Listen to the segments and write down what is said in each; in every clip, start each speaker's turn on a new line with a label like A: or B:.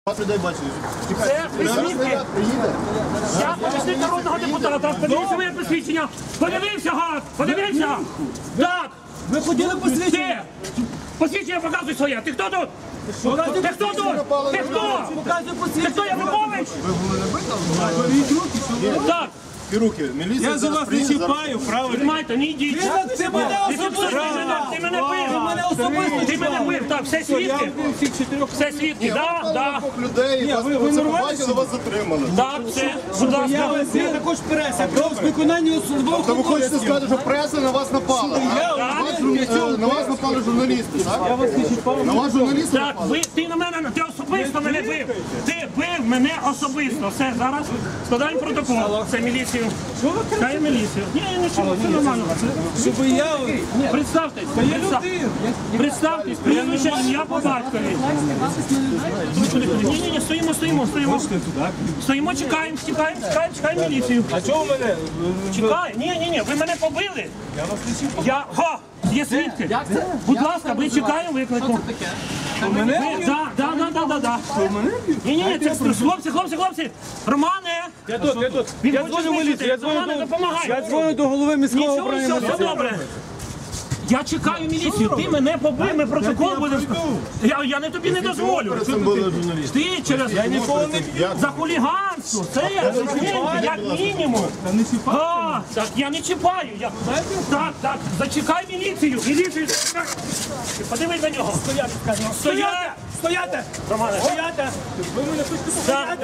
A: Вас людей бачили.
B: Це присвідки. Я помічник народного депутата. Подивіться моє посвідчення. Подивився, гад! Подивився! Так!
C: Ви ходили посвідчення?
B: Посвідчення показуй своє. Ти хто тут? Ти хто тут? Ти хто?
C: Показуй
B: Ти
C: посвідчення.
B: хто, Янукович? Так.
A: Руки, міліція
D: Я за вас не чіпаю, правильно?
B: Тримайте, не йдіть.
C: Ти мене особисто.
B: Ти мене бив.
C: мене особисто.
B: Ти мене бив. Так, все свідки. Все свідки. Так, так.
A: людей, ви це побачили, вас затримали.
B: Так, все. Будь ласка.
C: Я також преса. Про виконання службових
A: То ви хочете
C: обов'язків.
A: сказати, що преса на вас напала? На вас напали журналісти, так?
C: Я вас не чіпав.
A: На вас журналісти
B: Так,
A: напали?
B: ти на мене, ти особисто мене бив. Ти бив мене особисто. Все, зараз складаємо протокол. Це міліцію. Хай міліцію. Ні, нічого, все нормально.
C: Щоб я...
B: Представтесь. Представтесь, прізвище, ім'я по батькові. Ні, стоїмо. Стоїмо, чекаємо міліцію.
C: А чого мене?
B: Чекай, ні, ви мене побили. Я вас не чіпав. Є свідки. Будь ласка, ви чекаємо виклику.
C: Мене?
B: Да. Ні, це хлопці. Романе.
C: Я тут.
B: Він
C: Я
B: хоче
C: дзвоню в міліцію.
B: знищити. Романе, допомагай.
C: Я дзвоню до голови міського
B: Нічого,
C: управління.
B: все добре. Я чекаю міліцію, ти мене побив, ми протокол будемо. Я не тобі не дозволю.
A: Це були журналісти.
B: Ти через за хуліганство, це як мінімум. Так, я не чіпаю. Так, зачекай міліцію. Зачекай. Подивись на нього.
C: Стояти!
B: Романе.
C: Стояти! Ви мене хочете стояти?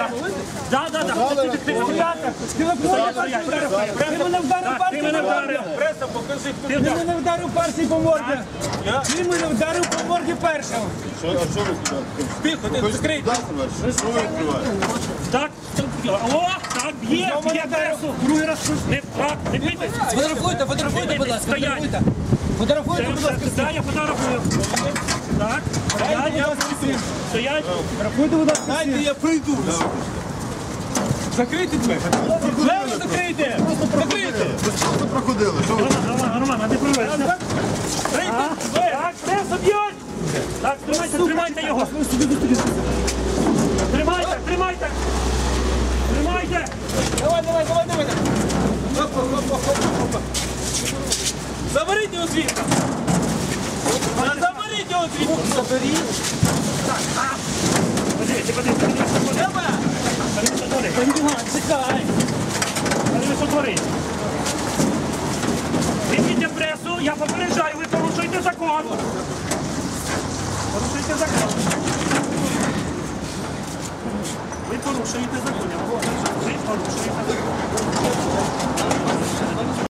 C: Ти мене вдарив
B: Ти мене вдарив.
C: Преса, покажи. Ти мене вдарив перший по морді. Ти мене вдарив по морді першим.
A: А що ви туди?
C: Тихо, ти закрий.
A: Що ви відкриваєте?
B: Так, так, є пресу. Другий раз. Не бійтесь.
C: Фотографуйте, будь ласка.
B: Стоять.
C: Фотографуйте, будь ласка.
B: Так, я фотографую. Так, стоять.
C: Фотографуйте, будь ласка. Дайте, я прийду. Закрийте двері. Двері закрийте. Закрийте.
A: Ви просто проходили. Що ви?
B: Роман, а ти проведеш? Так, пресу б'ють. Так, тримайте його. Тримайте.
C: Давай. Заберіть його звідти. Заберіть його звідти. Заберіть. Чекай.
B: Візьміть пресу, я попереджаю, ви порушуєте закон. Ви порушуєте закон.